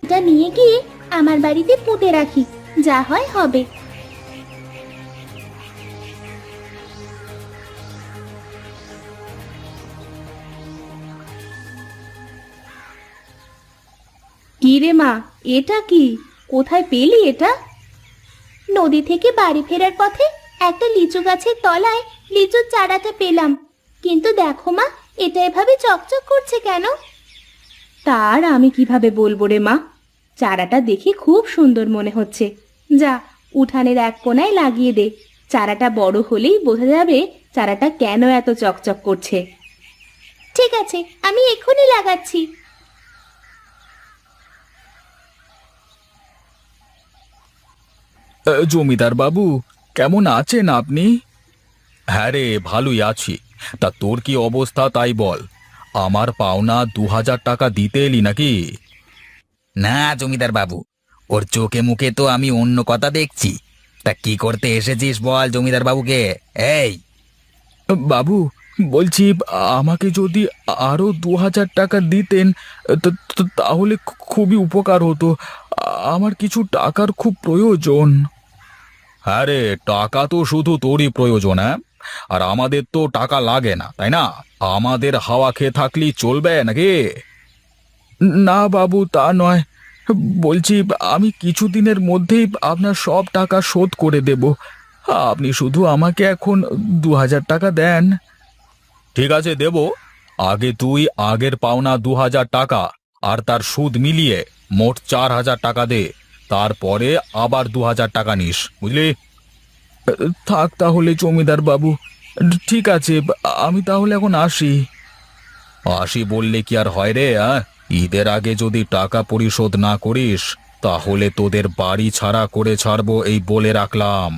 ওষুধটা নিয়ে গিয়ে আমার বাড়িতে পুঁতে রাখি, যা হয় হবে। কি রে মা, এটা কি? কোথায় পেলি এটা? নদী থেকে বাড়ি ফেরার পথে একটা লিচু গাছের তলায় লিচুর চারাটা পেলাম। কিন্তু দেখো মা, এটা এভাবে চকচক করছে কেন? তার আমি কিভাবে বলবো রে মা, চারাটা দেখে খুব সুন্দর মনে হচ্ছে। যা, উঠানের এক কোণায় লাগিয়ে দে। চারাটা বড় হলেই বোঝা যাবে চারাটা কেন এত চকচক করছে। ঠিক আছে, আমি এক্ষুনি লাগাচ্ছি। জমিদার বাবু, কেমন আছেন আপনি? হ্যাঁ রে, ভালোই আছি। তা তোর কি অবস্থা তাই বল। আমার পাওনা 2000 টাকা দিতে এলি নাকি? না জমিদার বাবু, ওর চোখে মুখে তো আমি অন্য কথা দেখছি। তা কি করতে এসেছিস বল জমিদার বাবুকে। এই বাবু, বলছি আমাকে যদি আরো 2000 টাকা দিতেন তাহলে খুবই উপকার হতো। আমার কিছু টাকার খুব প্রয়োজন। হ্যাঁ রে, টাকা তো শুধু তোরই প্রয়োজন, হ্যাঁ? আর আমাদের তো টাকা লাগে না, তাই না? আমাদের হাওয়া খেয়ে থাকলেই চলবে নাকি? না বাবু, তা নয়। বলছি আমি কিছুদিনের মধ্যেই আপনার সব টাকা শোধ করে দেব। আপনি শুধু আমাকে এখন 2000 টাকা দেন। ঠিক আছে, দেব। আগে তুই আগের পাওনা 2000 টাকা আর তার সুদ মিলিয়ে মোট 4000 টাকা দে। তারপরে আবার 2000 টাকা নিস, বুঝলি? থাক তাহলে জমিদার বাবু। ঠিক আছে, আমি তাহলে এখন আসি। আসি বললে কি আর হয় রে? ঈদের আগে যদি টাকা পরিশোধ না করিস তাহলে তোদের বাড়ি ছাড়া করে ছাড়বো, এই বলে রাখলাম।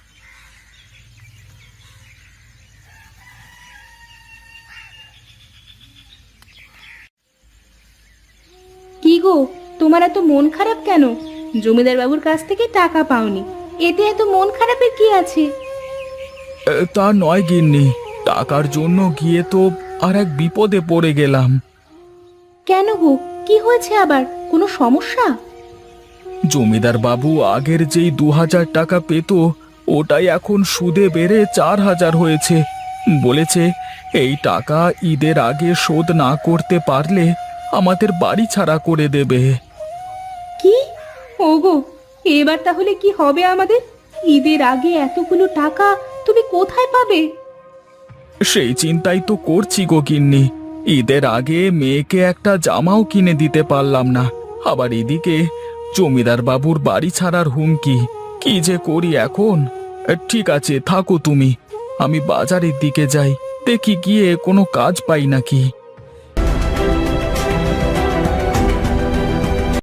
কি গো, তোমার এত মন খারাপ কেন? জমিদার বাবুর কাছ থেকে টাকা পাওনি, এতে এত মন খারাপের কি আছে? তা নয় গিন্নি, টাকার জন্য গিয়ে তো আর এক বিপদে পড়ে গেলাম। কেন গো, কি হয়েছে আবার? কোনো সমস্যা? জমিদার বাবু আগের যেই 2000 টাকা পেত, ওটাই এখন সুদে বেড়ে 4000 হয়েছে। বলেছে এই টাকা ঈদের আগে শোধ না করতে পারলে আমাদের বাড়ি ছাড়া করে দেবে। কি? ওগো, এবার তাহলে কি হবে আমাদের? ঈদের আগে এতগুলো টাকা তুমি কোথায় পাবে? সেই চিন্তাই তো করছি গো গিন্নি। ঈদের আগে মেয়েকে একটা জামাও কিনে দিতে পারলাম না, আবার এদিকে জমিদার বাবুর বাড়ি ছাড়ার হুমকি। কি যে করি এখন। ঠিক আছে, থাকো তুমি। আমি বাজারের দিকে যাই, দেখি গিয়ে কোনো কাজ পাই নাকি।